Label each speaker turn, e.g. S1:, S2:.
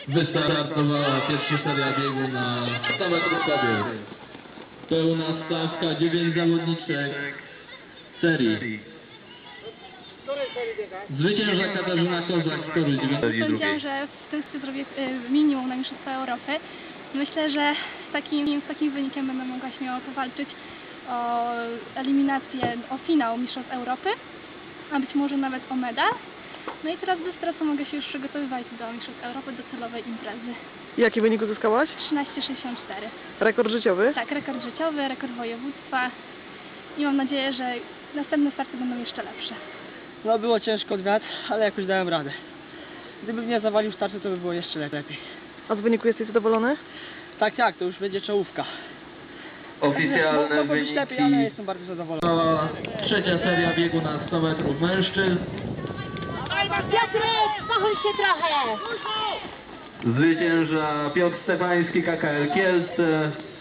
S1: Wystartowała pierwsza seria biegu na 100 metrów kobiet. Pełna stawka, 9 zawodniczek serii. Zwycięża Katarzyna Kozak z Toruń.
S2: Sądziłam, że w tym sezonie zrobię minimum na Mistrzostwa Europy. Myślę, że z takim wynikiem będę mogła śmiało powalczyć o eliminację, o finał Mistrzostw Europy, a być może nawet o medal. No i teraz bez stresu mogę się już przygotowywać do Mistrzostw Europy, do celowej imprezy.
S3: Jaki wynik uzyskałaś?
S2: 13,64.
S3: Rekord życiowy?
S2: Tak, rekord życiowy, rekord województwa i mam nadzieję, że następne starty będą jeszcze lepsze.
S4: No było ciężko od wiatr, ale jakoś dałem radę. Gdybym nie zawalił startu, to by było jeszcze lepiej.
S3: A z wyniku jesteś zadowolony?
S4: Tak, to już będzie czołówka.
S1: Oficjalne
S4: Mogło być lepiej, ale
S1: wyniki.
S4: jestem bardzo zadowolony.
S1: Trwała trzecia seria biegu na 100 metrów mężczyzn.
S5: Piotrek, zachodź się trochę!
S1: Zwycięża Piotr Stefański, KKL Kielce.